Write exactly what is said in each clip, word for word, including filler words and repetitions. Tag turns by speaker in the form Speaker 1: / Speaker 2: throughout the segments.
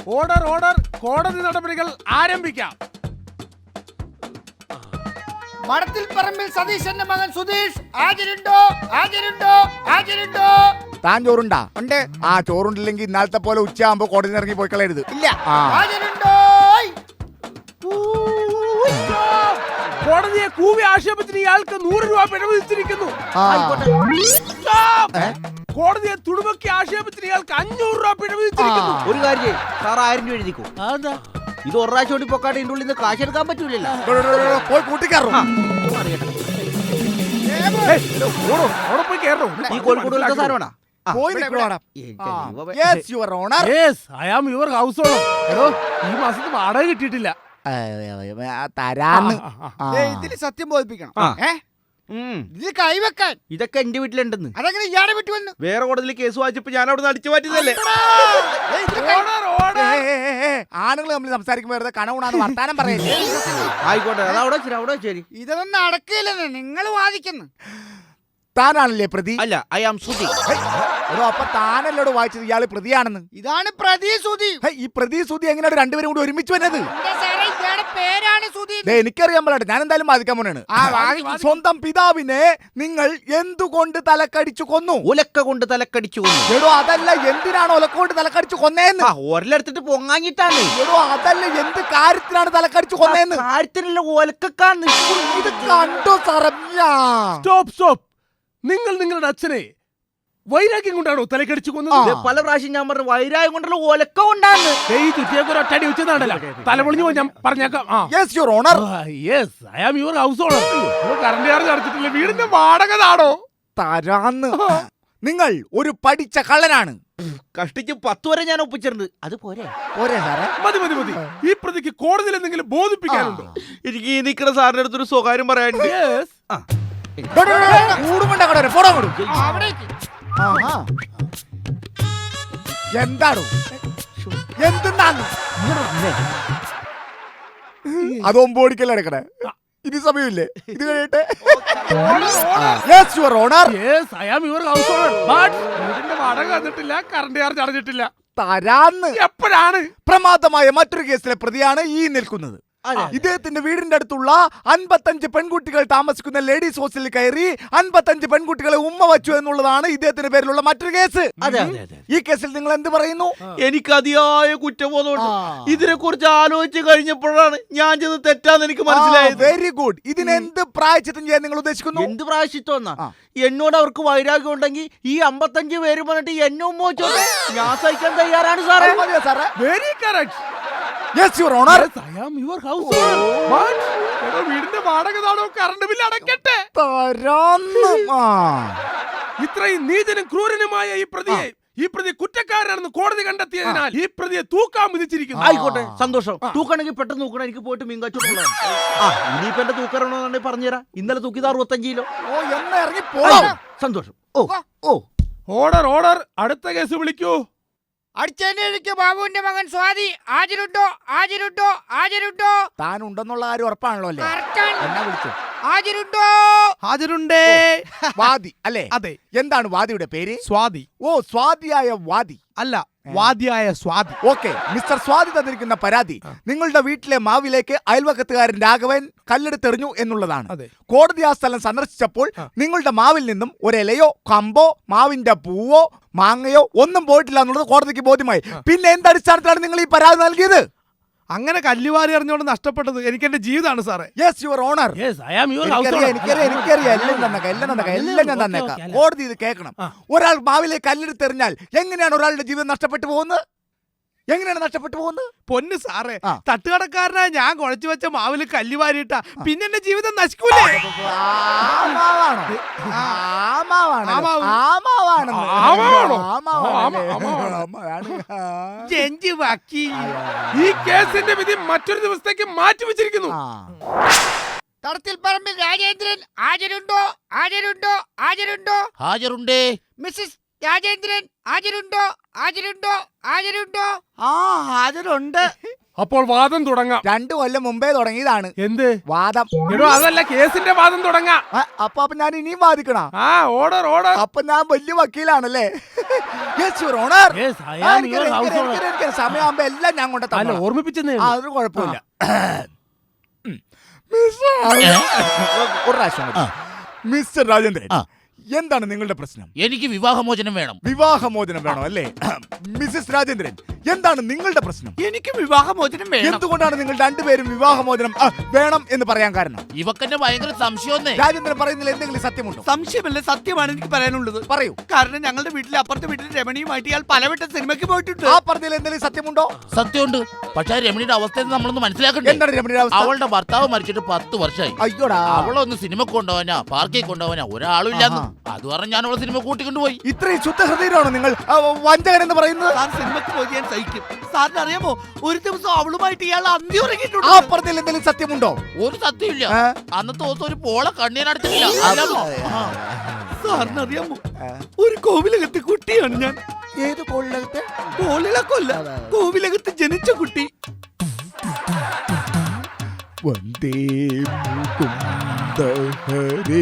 Speaker 1: Order order കോടതി നടപടികൾ ആരംഭിക്കാം.
Speaker 2: മടത്തിൽ പറമ്പിൽ സതീശന്റെ മകൻ സുധീഷ് ഹാജരുണ്ടോ? ഹാജരുണ്ടോ? ഹാജരുണ്ടോ?
Speaker 3: താൻ ചോറുണ്ടാ?
Speaker 2: ഉണ്ട്.
Speaker 3: ആ ചോറുണ്ടില്ലെങ്കിൽ ഇന്നാളത്തെ പോലെ ഉച്ചയാകുമ്പോ കോടതി ഇറങ്ങി പോയി കളയരുത്.
Speaker 2: ഇല്ല. ഹാജരുണ്ടോ?
Speaker 1: കോടതിയെ കൂവി ആക്ഷേപത്തിന് ഇയാൾക്ക് നൂറ് രൂപ പിഴവ് വിധിച്ചിരിക്കുന്നു. കോടതിയെ തുടുമക്കി ആക്ഷേപത്തിന് ഇയാൾക്ക് അഞ്ഞൂറ് രൂപ പിഴവ് വിധിച്ചിരിക്കുന്നു.
Speaker 4: ഒരു കാര്യം സാർ ആയിരം രൂപ എഴുതിക്കോ. ഇത് ഒരു പ്രാവശ്യം ഓടി പൊക്കാട്ട് ഇതിന്റെ ഉള്ളിൽ നിന്ന് കാശ് എടുക്കാൻ പറ്റൂലല്ലോ.
Speaker 3: പോയി കൂട്ടിക്കയറും.
Speaker 1: പോയി കയറോ.
Speaker 4: ഈ കോഴിക്കോട് സാധനമാണോ?
Speaker 3: പോയി
Speaker 1: ഈ മാസത്തിൽ വാടക കിട്ടിയിട്ടില്ല.
Speaker 3: തരാന്ന്
Speaker 2: ഇതില് സത്യം ബോധിപ്പിക്കണം. ഇത് കൈവെക്കാൻ
Speaker 4: ഇതൊക്കെ എന്റെ വീട്ടിലുണ്ടെന്ന്.
Speaker 2: അതെങ്ങനെ ഇയാളെ വിട്ടു വന്നു?
Speaker 4: വേറെ കോടതിയിൽ കേസ് വായിച്ചപ്പോ ഞാൻ അവിടെ അടിച്ചു മാറ്റിയതല്ലേ.
Speaker 3: ആണുങ്ങൾ തമ്മിൽ സംസാരിക്കുമ്പോ വെറുതെ കണവുണാന്ന് വർത്താനം പറയല്ലേ.
Speaker 4: ആയിക്കോട്ടെ, അത് അവിടെ വെച്ചേരി, അവിടെ വെച്ചേരി.
Speaker 2: ഇതൊന്നും നടക്കില്ലെന്ന് നിങ്ങൾ വാദിക്കുന്നു.
Speaker 3: താനാണല്ലേ പ്രതി?
Speaker 4: അല്ല, ഐ ആം സുധി.
Speaker 3: അപ്പൊ താനല്ലോട് വായിച്ചത് ഇയാള് പ്രതിയാണെന്ന്.
Speaker 2: ഇതാണ് പ്രതി സുധി.
Speaker 3: ഈ പ്രതി സുധി എങ്ങനെയാണ് രണ്ടുപേരും കൂടി ഒരുമിച്ച് വന്നത്?
Speaker 2: പേരാണ് സുധി.
Speaker 3: എനിക്കറിയാൻ പാടില്ല, ഞാൻ എന്തായാലും ബാധിക്കാൻ പോണാണ്. സ്വന്തം പിതാവിനെ നിങ്ങൾ എന്തുകൊണ്ട് തലക്കടിച്ചു കൊന്നു?
Speaker 4: ഒലക്ക കൊണ്ട് തലക്കടിച്ചു കൊന്നു.
Speaker 3: എടോ അതല്ല, എന്തിനാണ് ഒലക്ക കൊണ്ട് തലക്കടിച്ചു കൊന്നേന്ന്?
Speaker 4: ഒരെടുത്തിട്ട് പൊങ്ങാഞ്ഞിട്ടാണ്.
Speaker 3: എടോ അതല്ല, എന്ത് കാര്യത്തിനാണ് തലക്കടിച്ചു കൊന്നേന്ന്?
Speaker 4: കാര്യത്തിനുള്ള ഒലക്കാന്ന്
Speaker 3: ഇത് കണ്ടോ സാറല്ല.
Speaker 1: Stop stop. നിങ്ങൾ നിങ്ങളുടെ അച്ഛനെ വൈരാഗ്യം കൊണ്ടാണോ തലക്കടിച്ചു കൊന്നത്?
Speaker 4: പല പ്രാവശ്യം ഞാൻ പറഞ്ഞു വൈരാഗ്യം കൊണ്ടുള്ള ഒലക്ക കൊണ്ടാണ്.
Speaker 1: ഒറ്റടി വെച്ചതാണല്ലോ. തലപൊളിഞ്ഞു പോയി, ഞാൻ പറഞ്ഞേക്കാം.
Speaker 3: Yes your honour.
Speaker 1: Yes, I am your house owner. Current charge അടച്ചിട്ടില്ല, വീടിന്റെ വാടക താടോ
Speaker 3: തരാന്ന്. നിങ്ങൾ ഒരു പഠിച്ച കള്ളനാണ്.
Speaker 4: കഷ്ടിച്ച് പത്ത് വരെ ഞാൻ ഒപ്പിച്ചിട്ടുണ്ട്. അത് പോരെ?
Speaker 3: പോരെ സാറേ?
Speaker 1: മതി മതി മതി. ഈ പ്രതിക്ക് കോടതിയിൽ എന്തെങ്കിലും ബോധിപ്പിക്കാനുണ്ടോ?
Speaker 4: എനിക്ക് ഈ നിൽക്കുന്ന സാറിന്റെ അടുത്തൊരു സ്വകാര്യം പറയാനുണ്ട്.
Speaker 3: എന്താണോ എന്തെന്നാണ് അത് ഒമ്പോടിക്കല്ലേ എടുക്കണേ? ഇനി സമയമില്ലേ? ഇത് കഴിയട്ടെ. Yes your honour.
Speaker 1: Yes, I am your house owner. But വീടിന്റെ വാടക തന്നിട്ടില്ല, കറണ്ട് ചാർജ് അടച്ചിട്ടില്ല.
Speaker 3: തരാന്ന്.
Speaker 1: എപ്പോഴാണ്?
Speaker 3: പ്രമാദമായ മറ്റൊരു കേസിലെ പ്രതിയാണ് ഈ നിൽക്കുന്നത്. ഇദ്ദേഹത്തിന്റെ വീടിന്റെ അടുത്തുള്ള അൻപത്തഞ്ച് പെൺകുട്ടികൾ താമസിക്കുന്ന ലേഡീസ് ഹോസ്റ്റലിൽ കയറി അൻപത്തഞ്ച് പെൺകുട്ടികളെ ഉമ്മ വച്ചു എന്നുള്ളതാണ് ഇദ്ദേഹത്തിന്റെ പേരിലുള്ള മറ്റൊരു കേസ്. ഈ കേസിൽ നിങ്ങൾ എന്ത് പറയുന്നു?
Speaker 4: എനിക്ക് അതിയായ കുറ്റബോധമുണ്ട്. ഇതിനെ കുറിച്ച് ആലോചിച്ച് കഴിഞ്ഞപ്പോഴാണ് ഞാൻ ചെയ്ത് തെറ്റാന്ന് എനിക്ക് മനസ്സിലായത്.
Speaker 3: Very good. ഇതിന് എന്ത് പ്രായശ്ചിത്തം ചെയ്യാൻ നിങ്ങൾ ഉദ്ദേശിക്കുന്നു?
Speaker 4: എന്ത് പ്രായശ്ചിത്തം? എന്നോട് അവർക്ക് വൈരാഗ്യം ഉണ്ടെങ്കിൽ ഈ അമ്പത്തഞ്ച് പേര് പറഞ്ഞിട്ട് എന്നെ ഉമ്മ വെച്ചോട്ടെ, ഞാൻ സഹിക്കാൻ തയ്യാറാണ് സാറേ.
Speaker 1: Very correct.
Speaker 3: Yes your honour.
Speaker 1: I am your house owner. But വീടിന്റെ വാടക താടോ, കറണ്ട് ബില്ല് അടയ്ക്കട്ടെ. ഇത്രയും നീചനും ക്രൂരനുമായ ഈ പ്രതിയെ ഈ പ്രതി കുറ്റക്കാരനാണെന്ന് കോടതി കണ്ടെത്തിയതിനാൽ ഈ പ്രതിയെ തൂക്കാൻ വിധിച്ചിരിക്കുന്നു.
Speaker 4: ആയിക്കോട്ടെ, സന്തോഷം. തൂക്കണമെങ്കിൽ പെട്ടെന്ന് തൂക്കണം. എനിക്ക് പോയിട്ട് മീൻ കച്ചവടം. ആ ഇനിയിപ്പോ എന്റെ തൂക്കറണോന്നുണ്ടെങ്കിൽ പറഞ്ഞുതരാം. ഇന്നലെ തൂക്കിയത് അറുപത്തഞ്ച് കിലോ. സന്തോഷം. Oh oh
Speaker 1: order order. അടുത്ത കേസ് വിളിക്കൂ.
Speaker 2: അടിച്ചേക്ക് ബാബുവിന്റെ മകൻ സ്വാതി ഹാജരുണ്ടോ? ഹാജരുണ്ടോ? ഹാജരുണ്ടോ?
Speaker 3: താൻ ഉണ്ടെന്നുള്ള കാര്യം ഉറപ്പാണല്ലോ അല്ലേ? എന്നാ വിളിച്ചു?
Speaker 2: ഹാജരുണ്ടോ?
Speaker 1: ഹാജരുണ്ടേ.
Speaker 3: വാദി അല്ലേ?
Speaker 1: അതെ.
Speaker 3: എന്താണ് വാദിയുടെ പേര്?
Speaker 1: സ്വാതി.
Speaker 3: ഓ, സ്വാതിയായ വാദി
Speaker 1: അല്ല, വാദിയായ സ്വാതി.
Speaker 3: ഓക്കെ, മിസ്റ്റർ സ്വാതി തന്നിരിക്കുന്ന പരാതി നിങ്ങളുടെ വീട്ടിലെ മാവിലേക്ക് അയൽവക്കത്തുകാരൻ രാഘവൻ കല്ലെടുത്തെറിഞ്ഞു എന്നുള്ളതാണ്. കോടതി ആ സ്ഥലം സന്ദർശിച്ചപ്പോൾ നിങ്ങളുടെ മാവിൽ നിന്നും ഒരിലയോ കമ്പോ മാവിന്റെ പൂവോ മാങ്ങയോ ഒന്നും പോയിട്ടില്ല എന്നുള്ളത് കോടതിക്ക് ബോധ്യമായി. പിന്നെ എന്തടിസ്ഥാനത്തിലാണ് നിങ്ങൾ ഈ പരാതി നൽകിയത്?
Speaker 1: അങ്ങനെ കല്ലുവാരി അറിഞ്ഞുകൊണ്ട് നഷ്ടപ്പെട്ടത് എനിക്ക് എന്റെ ജീവിതമാണ് സാറേ.
Speaker 3: Yes your honour. എനിക്കറിയാം എനിക്കറിയാം എല്ലാം തന്നേക്കാം എല്ലാം തന്നേക്കാം എല്ലാം ഞാൻ തന്നേക്കാം. കോടതി ഇത് കേൾക്കണം. ഒരാൾ മാവിലേക്ക് കല്ലെടുത്തെറിഞ്ഞാൽ എങ്ങനെയാണ് ഒരാളുടെ ജീവിതം നഷ്ടപ്പെട്ടു പോകുന്നത്? എങ്ങനെയാണ് നഷ്ടപ്പെട്ടു പോകുന്നത്?
Speaker 1: പൊന്ന് സാറേ, തട്ടുകടക്കാരനായ ഞാൻ കുഴച്ചു വെച്ച മാവില് കല്ലുവാരിയിട്ട പിന്നെ എന്റെ ജീവിതം നശിക്കൂലേ? ഈ കേസിന്റെ വിധി മറ്റൊരു ദിവസത്തേക്ക് മാറ്റി വെച്ചിരിക്കുന്നു.
Speaker 2: തടത്തിൽ പറമ്പിൽ രാജേന്ദ്രൻ ഹാജരുണ്ടോ? ഹാജരുണ്ടോ? ഹാജരുണ്ടോ?
Speaker 4: ഹാജരുണ്ടേ.
Speaker 2: മിസ്സസ് രാജേന്ദ്രൻ ഹാജരുണ്ടോ? ഹാജരുണ്ടോ? ഹാജരുണ്ടോ?
Speaker 4: ആ ഹാജരുണ്ട്.
Speaker 1: അപ്പോൾ വാദം തുടങ്ങാം.
Speaker 3: രണ്ടു കൊല്ലം മുമ്പേ തുടങ്ങിയതാണ്
Speaker 1: എന്ത്
Speaker 3: വാദം.
Speaker 1: എടോ അതല്ല, കേസിന്റെ വാദം തുടങ്ങാം.
Speaker 3: ആ, അപ്പൊ അപ്പൊ ഞാൻ ഇനിയും വാദിക്കണ?
Speaker 1: ആ ഓർഡർ ഓർഡർ.
Speaker 3: അപ്പൊ ഞാൻ വലിയ വക്കീലാണല്ലേ? Yes, your honor.
Speaker 4: Yes, I
Speaker 3: ആ,
Speaker 4: am
Speaker 3: എനിക്ക്
Speaker 4: your
Speaker 3: എനിക്ക്
Speaker 4: house
Speaker 3: എനിക്ക്
Speaker 4: owner.
Speaker 3: എനിക്ക് സമയമാകുമ്പോ എല്ലാം ഞാൻ കൊണ്ട്
Speaker 1: അല്ല ഓർമ്മിപ്പിച്ചെന്നേ.
Speaker 3: ആ, അതൊരു കുഴപ്പമില്ല. മിസ്റ്റർ ഒരു പ്രാവശ്യം കൂടി. മിസ്റ്റർ രാജേന്ദ്രൻ,
Speaker 5: ആ.
Speaker 3: എന്താണ് നിങ്ങളുടെ പ്രശ്നം?
Speaker 5: എനിക്ക് വിവാഹമോചനം വേണം.
Speaker 3: വിവാഹമോചനം വേണോ അല്ലേ? മിസസ് രാജേന്ദ്രൻ, എന്താണ് നിങ്ങളുടെ പ്രശ്നം?
Speaker 2: എനിക്ക് വിവാഹമോചനം വേണം.
Speaker 3: എന്തുകൊണ്ടാണ് നിങ്ങൾ രണ്ടുപേരും വിവാഹമോചനം ആ, വേണം എന്ന് പറയാൻ കാരണം?
Speaker 5: ഇവക്കെന്നെ ഭയങ്കര സംശയമൊന്നേ.
Speaker 3: രാജേന്ദ്രൻ പറയുന്നതിൽ എന്തെങ്കിലും സത്യമുണ്ടോ?
Speaker 2: സംശയമല്ല, സത്യമാണ് എനിക്ക് പറയാനുള്ളത്.
Speaker 3: പറയൂ.
Speaker 2: കാരണം ഞങ്ങളുടെ വീട്ടിലെ അപ്പുറത്തെ വീട്ടിൽ രമണിയുമായിട്ട് ഇയാൾ പലവട്ടം സിനിമയ്ക്ക് പോയിട്ടുണ്ട്.
Speaker 3: ആ പറഞ്ഞതിൽ എന്തെങ്കിലും സത്യമുണ്ടോ?
Speaker 5: സത്യമുണ്ട്. പക്ഷെ ആ രമണിയുടെ അവസ്ഥ നമ്മളൊന്ന് മനസ്സിലാക്കണ്ടേ?
Speaker 3: എന്താണ് രമണിയുടെ അവസ്ഥ?
Speaker 5: അവളുടെ ഭർത്താവ് മരിച്ചിട്ട് പത്ത് വർഷമായി.
Speaker 3: അയ്യോടാ,
Speaker 5: അവളൊന്ന് സിനിമ കൊണ്ടുപോവാനാ പാർക്കിൽ കൊണ്ടുപോവാനാ ഒരാളും ഇല്ലാന്ന്. അത് പറഞ്ഞ് ഞാൻ അവളെ സിനിമ കൂട്ടിക്കൊണ്ടുപോയി.
Speaker 3: ഇത്രയും ശുദ്ധഹൃദയരാണോ നിങ്ങൾ ആ, വഞ്ചകൻ എന്ന് പറയുന്നത്?
Speaker 2: സാർ സിനിമയ്ക്ക് പോയി ഞാൻ സഹിക്കും. സാറിന് അറിയാമോ, ഒരു ദിവസം അവളുമായിട്ട് ഇയാൾ അന്തി
Speaker 3: ആ
Speaker 2: ഉറങ്ങിയിട്ടുണ്ട്.
Speaker 3: പറഞ്ഞതിൽ എന്തെങ്കിലും സത്യമുണ്ടോ?
Speaker 5: ഒരു സത്യമില്ല.
Speaker 3: ആ?
Speaker 5: അന്നത്തെ ദിവസം ഒരു പോള കണ്ണീനടച്ചിട്ടില്ല. അറിയാമോ? ആ.
Speaker 2: സാറിന് അറിയാമോ, ഒരു കോവിലകത്ത് കുട്ടിയാണ് ഞാൻ.
Speaker 3: ഏത് കോളിനകത്ത്?
Speaker 2: കോളിളക്കല്ല, കോവിലകത്ത് ജനിച്ച കുട്ടി.
Speaker 3: വന്ദേ മുകുന്ദ ഹരേ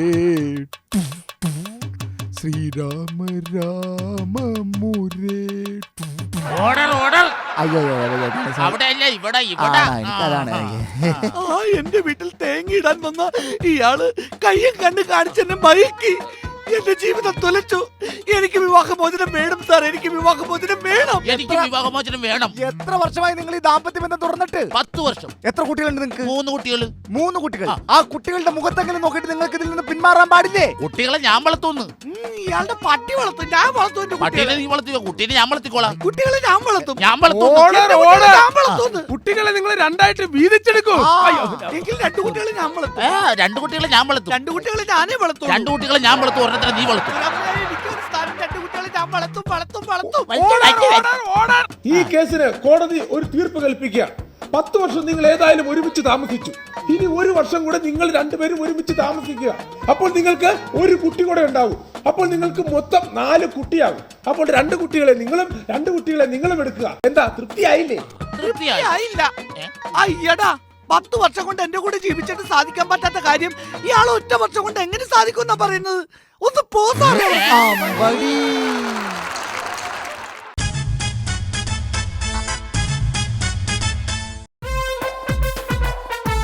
Speaker 3: ശ്രീരാമ രാമ മുരേ.
Speaker 5: Order order.
Speaker 3: അയ്യോ അയ്യോ, അയ്യോ, അയ്യോ, അയ്യോ.
Speaker 5: അവിടെ അല്ല ഇവിടെ
Speaker 3: ആ,
Speaker 5: ഇവിടെ.
Speaker 3: എനിക്കതാണ്.
Speaker 2: ആ എന്റെ വീട്ടിൽ തേങ്ങയിടാൻ വന്ന ഇയാള് കയ്യും കണ്ട് കാണിച്ചെന്നെ മയക്കി എന്റെ ജീവിതം തുലച്ചു. എനിക്ക് വിവാഹമോചനം വേണം സാർ, എനിക്ക് വിവാഹമോചനം വേണം.
Speaker 5: എനിക്ക് വിവാഹമോചനം വേണം.
Speaker 3: എത്ര വർഷമായി നിങ്ങൾ ഈ ദാമ്പത്യ ബന്ധം തുറന്നിട്ട്?
Speaker 5: പത്ത് വർഷം.
Speaker 3: എത്ര കുട്ടികളുണ്ട് നിങ്ങൾക്ക്?
Speaker 5: മൂന്ന് കുട്ടികള്.
Speaker 3: മൂന്ന് കുട്ടികൾ.
Speaker 5: ആ.
Speaker 3: ആ കുട്ടികളുടെ മുഖത്തെങ്കിലും നോക്കിയിട്ട് നിങ്ങൾക്ക് ഇതിൽ നിന്ന് പിന്മാറാൻ പാടില്ലേ?
Speaker 5: കുട്ടികളെ ഞാൻ വളർത്തുന്നു.
Speaker 2: ഉം, ഇയാളുടെ പട്ടി വളർത്തും, ഞാൻ വളർത്തും എന്റെ
Speaker 5: പട്ടീനെ
Speaker 2: കുട്ടികളെ.
Speaker 5: നീ വളർത്തിക്കോ, കുട്ടീനെ ഞാൻ വളർത്തിക്കോളാം.
Speaker 2: കുട്ടികളെ ഞാൻ വളർത്തും.
Speaker 5: ഞാൻ വളർത്തുന്നു.
Speaker 1: ഓർഡർ
Speaker 2: എന്റെ
Speaker 1: ഓർഡർ.
Speaker 2: കുട്ടികളെ ഞാൻ വളർത്തുന്നു.
Speaker 1: കുട്ടികളെ നിങ്ങൾ രണ്ടായിട്ട് വീതിച്ചെടുക്കൂ.
Speaker 3: ആ.
Speaker 1: അയ്യോ.
Speaker 2: എങ്കിൽ രണ്ടു കുട്ടികളെ ഞാൻ വളർത്തും.
Speaker 5: ഏ, രണ്ട് കുട്ടികളെ ഞാൻ വളർത്തും.
Speaker 2: രണ്ടു കുട്ടികളെ ഞാനേ വളർത്തും.
Speaker 5: രണ്ട് കുട്ടികളെ ഞാൻ വളർത്തും, ഒരെണ്ണത്തിനെ നീ വളർത്തും.
Speaker 2: എനിക്കൊരു സ്ഥാനം, രണ്ടു കുട്ടികളെ ഞാൻ വളർത്തും വളർത്തും വളർത്തും.
Speaker 1: Order order order. ഈ കേസിന് കോടതി ഒരു തീർപ്പ് കൽപ്പിക്കുക. പത്ത് വർഷം നിങ്ങൾ ഏതായാലും ഒരുമിച്ച് താമസിച്ചു. ഇനി ഒരു വർഷം കൂടെ നിങ്ങൾ രണ്ടുപേരും ഒരുമിച്ച് താമസിക്കുക. അപ്പോൾ നിങ്ങൾക്ക് ഒരു കുട്ടി കൂടെ ഉണ്ടാവും. അപ്പോൾ നിങ്ങൾക്ക് മൊത്തം നാല് കുട്ടിയാകും. അപ്പോൾ രണ്ട് കുട്ടികളെ നിങ്ങളും രണ്ട് കുട്ടികളെ നിങ്ങളും എടുക്കുക. എന്താ, തൃപ്തിയായില്ലേ?
Speaker 5: തൃപ്തിയായി.
Speaker 2: ആയില്ല.
Speaker 5: ഏ?
Speaker 2: അയ്യടാ, പത്ത് വർഷം കൊണ്ട് എന്റെ കൂടെ ജീവിച്ചിട്ട് സാധിക്കാൻ പറ്റാത്ത കാര്യം ഇയാൾ ഒറ്റ വർഷം കൊണ്ട് എങ്ങനെ സാധിക്കും എന്നാ പറയുന്നത്? ഒന്ന് പോ സാറേ.
Speaker 3: അമ്പടി.